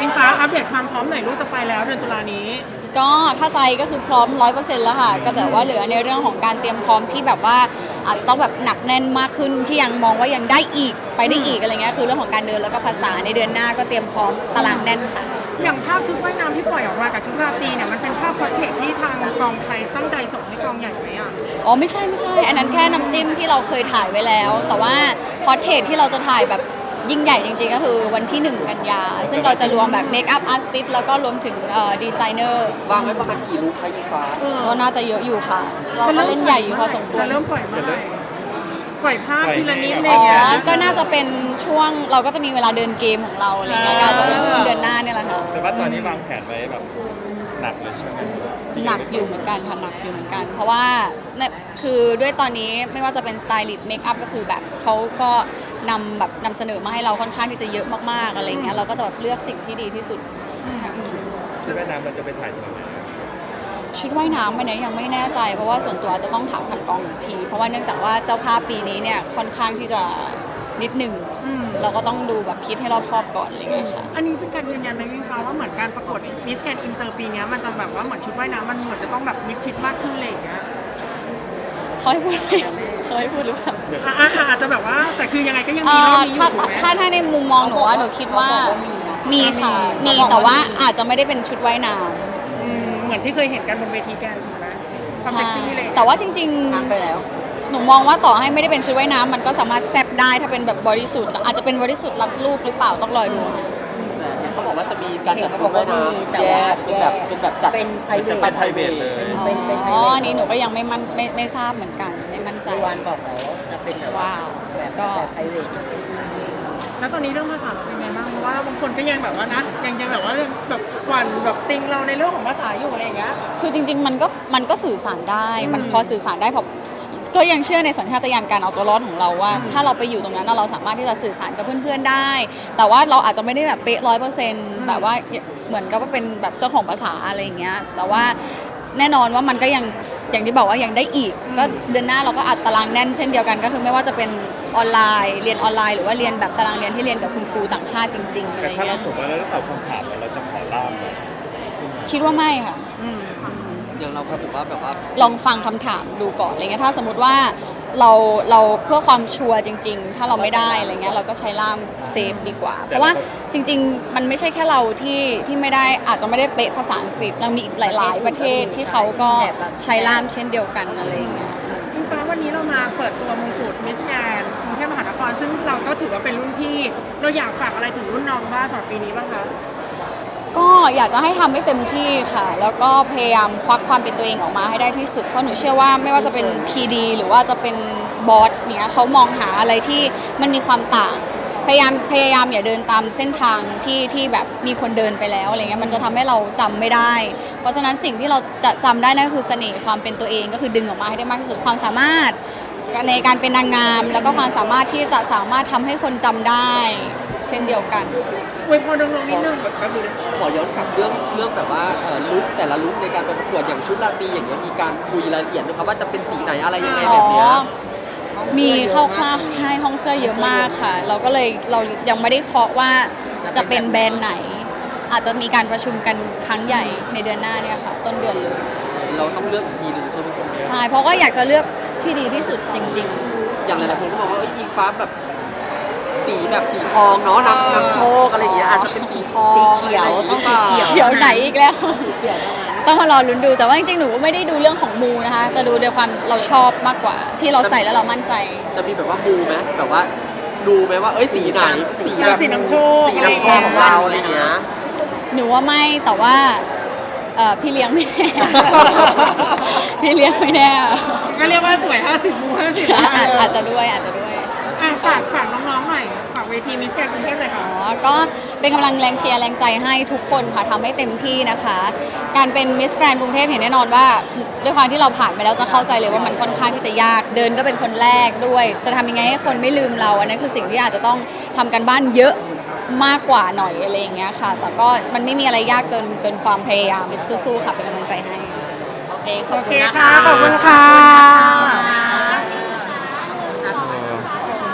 อิงฟ้าอัปเดตความพร้อมหน่อยลูกจะไปแล้วเดือนตุลานี้ก็ถ้าใจก็คือพร้อม100%แล้วค่ะก็แต่ว่าเหลือในเรื่องของการเตรียมพร้อมที่แบบว่าอาจจะต้องแบบหนักแน่นมากขึ้นที่ยังมองว่ายังได้อีกไปได้อีกอะไรเงี้ยคือเรื่องของการเดินแล้วก็ภาษาในเดือนหน้าก็เตรียมพร้อมตารางแน่นค่ะอย่างภาพชุดว่ายน้ำที่ปล่อยออกมากับชุดราตรีเนี่ยมันเป็นภาพพอร์เทรตที่ทางกองไทยตั้งใจส่งให้กองใหญ่ไหมอ่ะอ๋อไม่ใช่อันนั้นแค่น้ำจิ้มที่เราเคยถ่ายไว้แล้วแต่ว่าพอร์เทรตที่เราจะถ่ายแบบยิ่งใหญ่จริงๆก็คือวันที่1 กันยาซึ่งเราจะรวมแบบเมคอัพอาร์ติสต์แล้วก็รวมถึงดีไซเนอร์วางไว้ประมาณกี่ลุคคะยิงฟ้าก็น่าจะเยอะอยู่ค่ะเราก็เล่นใหญ่อยู่พอสมควรจะเริ่มปล่อยเมื่อไหร่ปล่อยภาพทีละนิดอะไรอ๋เงี้ยอก็น่าจะเป็นช่วงเราก็จะมีเวลาเดินเกมของเราอะไรเงี้ยก็จะเป็นช่วงเดือนหน้าเนี่ยแหละค่ะแต่ว่าตอนนี้วางแผนไว้แบบหนักเลยใช่ไหมหนักอยู่เหมือนกันค่ะหนักอยู่เหมือนกันเพราะว่าคือด้วยตอนนี้ไม่ว่าจะเป็นสไตลิสต์เมคอัพก็คือแบบเขาก็นำเสนอมาให้เราค่อนข้างที่จะเยอะมากๆอะไรเงี้ยเราก็จะแบบเลือกสิ่งที่ดีที่สุดชุดว่ายน้ำเราจะไปถ่ายที่ไหนชุดว่ายน้ำไปไหนยังไม่แน่ใจเพราะว่าส่วนตัวจะต้องถามทางกองอีกทีเพราะว่าเนื่องจากว่าเจ้าภาพปีนี้เนี่ยค่อนข้างที่จะนิดหนึ่งเราก็ต้องดูแบบคิดให้รอบคอบก่อนอะไรเงี้ยค่ะอันนี้เป็นการยืนยันไหมพี่ฟ้าว่าเหมือนการประกวดมิสแกรนด์อินเตอร์ปีนี้มันจะแบบว่าเหมือนชุดว่ายน้ำมันเหมือนจะต้องแบบมิดชิดมากขึ้นอะไรอย่างเงี้ยเขาให้พูดไหมเขาให้พูดหรือเปล่าอาจจะแบบว่าแต่คือยังไงก็ยังมีรอบนี้อยู่ถูกไหมถ้าในมุมมองหนูว่าหนูคิดว่ามีค่ะมีแต่ว่าอาจจะไม่ได้เป็นชุดว่ายน้ำเหมือนที่เคยเห็นกันบนเวทีแกนถูกไหมใช่แต่ว่าจริงๆไปแล้วหนูมองว่าต่อให้ไม่ได้เป็นชุดว่ายน้ำมันก็สามารถแซบได้ถ้าเป็นแบบบริสุทธิ์อาจจะเป็นบริสุทธิ์รัดรูปหรือเปล่าต้องรอดูเขาบอกว่าจะมีการจัดชุดว่ายน้ำแยกเป็นแบบจัดเป็นไพรเวทเลยอ๋ออันนี้หนูก็ยังไม่ทราบเหมือนกันไม่มั่นใจวันบอกแล้วจะเป็นแบบว้าวก็ไพรเวทแล้วตอนนี้เรื่องภาษาเป็นไงบ้างเพราะว่าบางคนก็ยังแบบว่านะยังแบบว่าแบบหวั่นแบบติงเราในเรื่องของภาษาอยู่อะไรอย่างเงี้ยคือจริงๆมันก็สื่อสารได้มันพอสื่อสารได้พอก็ยังเชื่อในสัญชาตญาณการเอาตัวรอดของเราว่าถ้าเราไปอยู่ตรงนั้นเราสามารถที่จะสื่อสารกับเพื่อนๆได้ แต่ว่าเราอาจจะไม่ได้แบบเป๊ะ100%แบบว่าเหมือนกับว่าเป็นแบบเจ้าของภาษาอะไรอย่างเงี้ยแต่ว่าแน่นอนว่ามันก็ยังอย่างที่บอกว่ายังได้อีกก็เดือนหน้าเราก็อัดตารางแน่นเช่นเดียวกันก็คือไม่ว่าจะเป็นออนไลน์เรียนออนไลน์หรือว่าเรียนแบบตารางเรียนที่เรียนกับคุณครูต่างชาติจริงๆอะไรเงี้ยแต่ถ้าเราเสมมติว่าเราตอบคำถามเราจะขอล่ามไหมคิดว่าไม่ค่ะอย่างเราก็ถือว่าแบบว่าลองฟังคำถามดูก่อนอะไรเงี้ยถ้าสมมติว่าเราเพื่อความชัวร์จริงๆถ้าเราไม่ได้อะไรเงี้ยเราก็ใช้ล่ามเซฟดีกว่าเพราะว่าจริงๆมันไม่ใช่แค่เราที่ไม่ได้อาจจะไม่ได้เป๊ะภาษาอังกฤษเรามีอีกหลายๆประเทศที่เขาก็ใช้ล่ามเช่นเดียวกันอะไรเงี้ยคุณฟ้าวันนี้เรามาเปิดตัวมงกุฎมิสแกรนด์กรุงเทพมหานครซึ่งเราก็ถือว่าเป็นรุ่นพี่เราอยากฝากอะไรถึงรุ่นน้องบ้างสำหรับปีนี้บ้างคะก็อยากจะให้ทำให้เต็มที่ค่ะแล้วก็พยายามควักความเป็นตัวเองออกมาให้ได้ที่สุดเพราะหนูเชื่อว่าไม่ว่าจะเป็น PD หรือว่าจะเป็นบอสเนี่ยเขามองหาอะไรที่มันมีความต่างพยายามอย่าเดินตามเส้นทางที่แบบมีคนเดินไปแล้วอะไรเงี้ยมันจะทำให้เราจำไม่ได้เพราะฉะนั้นสิ่งที่เราจะจำได้นั่นคือเสน่ห์ความเป็นตัวเองก็คือดึงออกมาให้ได้มากที่สุดความสามารถในการเป็นนางงามแล้วก็ความสามารถที่จะสามารถทำให้คนจำได้เช่นเดียวกันอวยพรน้องๆนิดนึงแป๊บนึงขอย้อนกลับเรื่องแบบว่าลุคแต่ละลุคในการไปประกวดอย่างชุดราตรีอย่างเงี้ยมีการคุยรายละเอียดไหมครับว่าจะเป็นสีไหนอะไรยังไงแบบเนี้ยมีคร่าวๆใช่ห้องเสื้อเยอะมากค่ะเราก็เลยเรายังไม่ได้เคาะว่าจะเป็นแบรนด์ไหนอาจจะมีการประชุมกันครั้งใหญ่ในเดือนหน้าเนี่ยค่ะต้นเดือนเลยเราต้องเลือกอีกทีนึงใช่ไหมครับใช่เพราะก็อยากจะเลือกที่ดีที่สุดจริงๆอย่างหลายๆคนก็บอกว่าอิงฟ้าแบบสีแบบสีทองเนาะนำโชคอะไรอย่างเงี้ยอาจจะเป็นสีทองสีเขียวต้องสีเขียวไหนอีกแล้วต้องมารอลุ้นดูแต่ว่าจริงๆหนูไม่ได้ดูเรื่องของมูนะคะจะดูด้วยความเราชอบมากกว่าที่เราใส่แล้วเรามั่นใจจะมีแบบว่ามูไหมแบบว่าดูไหมว่าสีไหนสีแบบสีน้ำโชคสีน้ำโชคของเราอะไรเงี้ยหนูว่าไม่แต่ว่าพี่เลี้ยงไม่แน่พี่เลี้ยงไม่แน่ก็เรียกว่าสวย50มู50 อาจจะด้วยฝากน้องๆหน่อยฝากเวทีมิสแกรนด์กรุงเทพหน่อยค่ะก็เป็นกำลังแรงเชียร์แรงใจให้ทุกคนค่ะทำให้เต็มที่นะคะการเป็นมิสแกรนด์กรุงเทพเห็นแน่นอนว่าด้วยความที่เราผ่านไปแล้วจะเข้าใจเลยว่ามันค่อนข้างที่จะยากเดินก็เป็นคนแรกด้วยจะทำยังไงให้คนไม่ลืมเราอันนั้นคือสิ่งที่อาจจะต้องทำกันบ้านเยอะมากกว่าหน่อยอะไรอย่างเงี้ยค่ะแต่ก็มันไม่มีอะไรยากเกินความพยายามสู้ๆค่ะเป็นกำลังใจให้โอเคค่ะขอบคุณค่ะ